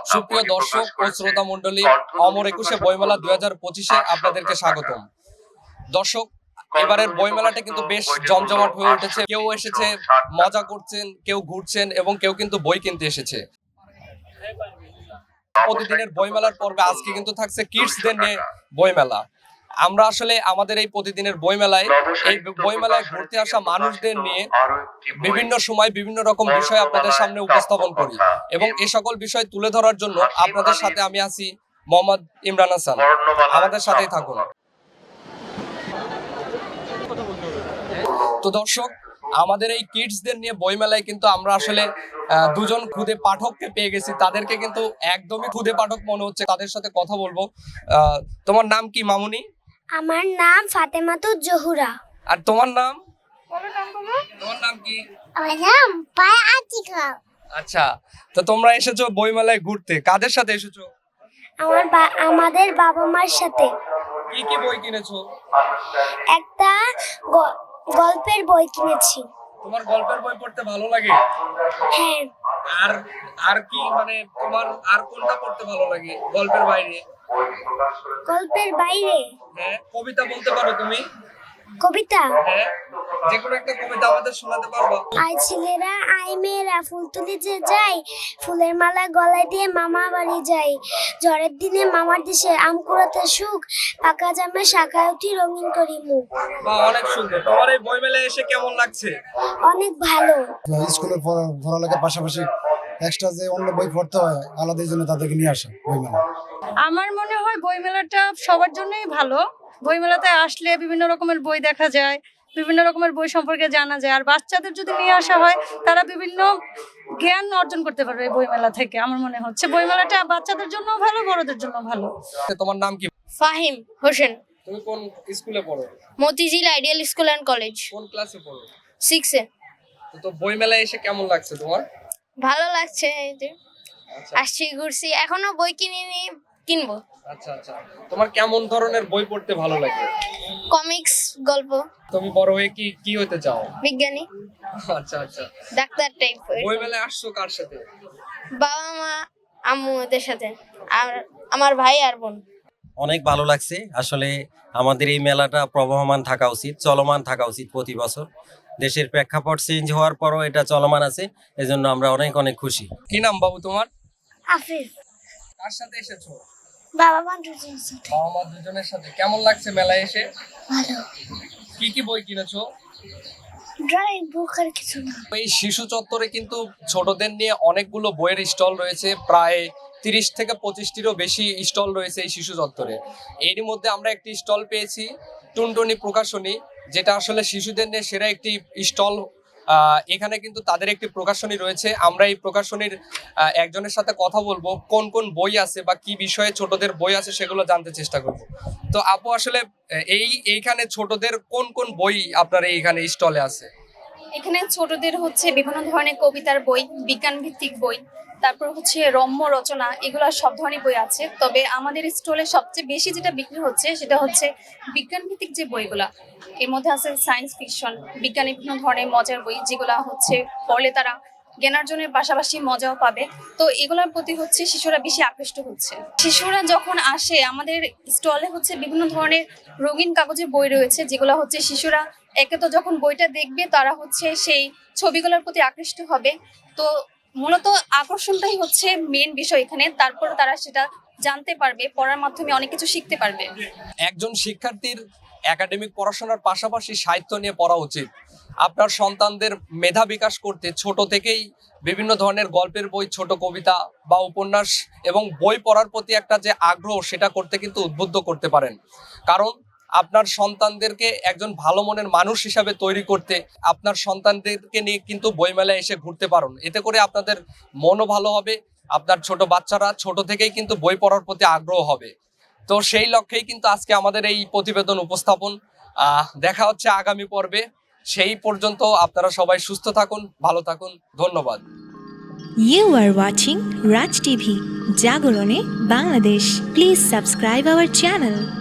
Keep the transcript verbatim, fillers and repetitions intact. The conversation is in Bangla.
সুপ্রিয় দর্শক ও শ্রোতা মণ্ডলী, অমর একুশে বইমেলা দুই হাজার পঁচিশে আপনাদেরকে স্বাগতম। দর্শক, এবারের বইমেলাটা কিন্তু বেশ জমজমাট হয়ে উঠেছে। কেউ এসেছে মজা করছেন, কেউ ঘুরছেন এবং কেউ কিন্তু বই কিনতে এসেছে। প্রতিদিনের বইমেলার পর্বে আজকে কিন্তু থাকছে কিডসদের নিয়ে বইমেলা। আমরা আসলে আমাদের এই প্রতিদিনের বইমেলায় এই বইমেলায় ঘুরতে আসা মানুষদের নিয়ে বিভিন্ন সময় বিভিন্ন রকম বিষয় আপনাদের সামনে উপস্থাপন করি এবং এই সকল বিষয় তুলে ধরার জন্য আপনাদের সাথে আমি আছি মোহাম্মদ ইমরান হাসান। আমাদের সাথেই থাকুন। তো দর্শক, আমাদের এই কিডসদের নিয়ে বইমেলায় কিন্তু আমরা আসলে দুজন খুদে পাঠককে পেয়ে গেছি। তাদেরকে কিন্তু একদমই খুদে পাঠক মনে হচ্ছে। তাদের সাথে কথা বলবো। তোমার নাম কি মামুনি? আমার নাম ফাতেমাতুজ জহুরা। আর তোমার নাম? তোমার নাম কি? আমার নাম পায়া আতিকা। আচ্ছা, তো তোমরা এসেছো বইমেলায় ঘুরতে, কাদের সাথে এসেছো? আমার আমাদের বাবা মার সাথে। কি কি বই কিনেছো? একটা গল্পের বই কিনেছি। তোমার গল্পের বই পড়তে ভালো লাগে? হ্যাঁ। আর আর কি মানে তোমার আর কোনটা পড়তে ভালো লাগে গল্পের বাইরে? গল্পের বাইরে হ্যাঁ, কবিতা বলতে পারো তুমি? কবিতা? হ্যাঁ, যে কোনো একটা কবিতা আমাদের শোনাতে পারবা? আই ছেলেরা আই মেয়েরা ফুল তুলি যে যাই, ফুলের মালা গলায় দিয়ে মামা বাড়ি যাই, ঝড়ের দিনে মামার দেশে আম কুড়াতে সুখ, পাকা জামে শাখায় উঠি রঙিন করি মুখ। বাহ, অনেক সুন্দর। তোমার এই বইমেলায় এসে কেমন লাগছে? অনেক ভালো। স্কুলের পড়ালেখার পাশাপাশি এক্সট্রা যে অন্য বই পড়তে হয় আলাদা, জন্য তাদেরকে নিয়ে আসা বইমেলা। আমার মনে হয় বইমেলাটা সবার জন্যই ভালো। বইমেলাতে আসলে বিভিন্ন রকমের বই দেখা যায়, বিভিন্ন রকমের বই সম্পর্কে জানা যায়। আর বাচ্চাদের যদি নিয়ে আসা হয়, তারা বিভিন্ন জ্ঞান অর্জন করতে পারবে বইমেলা থেকে। আমার মনে হচ্ছে বইমেলাটা বাচ্চাদের জন্য ভালো, বড়দের জন্য ভালো। তোমার নাম কি? ফাহিম হোসেন। তুমি কোন স্কুলে পড়ো? Motijheel ideal school and college. কোন ক্লাসে পড়ো? Six A. তো বইমেলায় এসে কেমন লাগছে তোমার? ভালো লাগছে। এই যে আসছি, ঘুরছি, এখনো বই কিনিনি, কিনবো। আচ্ছা আচ্ছা, তোমার কেমন ধরনের বই পড়তে ভালো লাগে? কমিক্স, গল্প। তুমি বড় হয়ে কি কি হতে চাও? বিজ্ঞানী। আচ্ছা আচ্ছা, ডাক্তার টাইপ। বইমেলায় আসছো কার সাথে? বাবা মা, আম্মু এদের সাথে, আর আমার ভাই আর বোন। অনেক ভালো লাগছে। আসলে আমাদের এই মেলাটা প্রবহমান থাকা উচিত, চলমান থাকা উচিত প্রতি বছর। দেশের প্রেক্ষাপট চেঞ্জ হওয়ার পরও এটা চলমান আছে, এজন্য আমরা অনেক অনেক খুশি। কি নাম বাবু তোমার? আফিফ। কার সাথে এসেছো? বাবা মা দুজনের সাথে। বাবা মা দুজনের সাথে। কেমন লাগছে মেলায় এসে? ভালো। কি কি বই কিনেছো? ড্রয়িং বুক আর কিছু না। এই শিশু চত্বরে কিন্তু ছোটদের নিয়ে অনেকগুলো বইয়ের স্টল রয়েছে। প্রায় তিরিশ থেকে পঁচিশটিরও বেশি স্টল রয়েছে এই শিশু চত্বরে। এরই মধ্যে আমরা একটি স্টল পেয়েছি, টুনটুনি প্রকাশনী, যেটা আসলে শিশুদের নিয়ে সেরা একটি স্টল। এখানে কিন্তু তাদের একটি প্রকাশনী রয়েছে। আমরা এই প্রকাশনীর একজনের সাথে কথা বলবো, কোন কোন বই আছে বা কি বিষয়ে ছোটদের বই আছে সেগুলো জানতে চেষ্টা করব। তো আপু, আসলে এই এইখানে ছোটদের কোন কোন বই আপনার এইখানে স্টলে আছে? এখানে ছোটদের হচ্ছে বিভিন্ন ধরনের কবিতার বই, বিজ্ঞান ভিত্তিক বই, তারপর হচ্ছে রম্য রচনা, এগুলো সব ধরনের বই আছে। তবে আমাদের স্টলে সবচেয়ে বেশি যেটা বিক্রি হচ্ছে সেটা হচ্ছে বিজ্ঞান ভিত্তিক যে বইগুলা। এর মধ্যে আছে সায়েন্স ফিকশন, বিজ্ঞানের বিভিন্ন ধরনের মজার বই, যেগুলো হচ্ছে পড়লে তারা জ্ঞানার্জনের পাশাপাশি মজাও পাবে। তো এগুলোর প্রতি হচ্ছে শিশুরা বেশি আকৃষ্ট হচ্ছে। শিশুরা যখন আসে আমাদের স্টলে হচ্ছে বিভিন্ন ধরনের রঙিন কাগজের বই রয়েছে, যেগুলো হচ্ছে শিশুরা একে তো যখন বইটা দেখবে তারা হচ্ছে সেই ছবিগুলোর প্রতি আকৃষ্ট হবে। তো মূলত আকর্ষণটাই হচ্ছে মেন বিষয় এখানে। তারপর তারা সেটা জানতে পারবে, পড়ার মাধ্যমে অনেক কিছু শিখতে পারবে। একজন শিক্ষার্থীর একাডেমিক পড়াশোনার পাশাপাশি সাহিত্য নিয়ে পড়া উচিত। আপনার সন্তানদের মেধা বিকাশ করতে ছোট থেকেই বিভিন্ন ধরনের গল্পের বই, ছোট কবিতা বা উপন্যাস এবং বই পড়ার প্রতি একটা যে আগ্রহ, সেটা করতে কিন্তু উদ্বুদ্ধ করতে পারেন। কারণ আপনার সন্তানদেরকে একজন ভালো মনের মানুষ হিসাবে তৈরি করতে আপনার সন্তানদেরকে নিয়ে কিন্তু বইমেলায় এসে ঘুরতে পারেন। এতে করে আপনাদের মনও ভালো হবে, আপনার ছোট বাচ্চারা ছোট থেকেই কিন্তু বই পড়ার প্রতি আগ্রহ হবে। তো সেই লক্ষ্যেই কিন্তু আজকে আমাদের এই প্রতিবেদন উপস্থাপন। আহ দেখা হচ্ছে আগামী পর্বে। সেই পর্যন্ত আপনারা সবাই সুস্থ থাকুন, ভালো থাকুন। ধন্যবাদ। You are watching Raj T V, Jagorone, Bangladesh. Please subscribe our channel.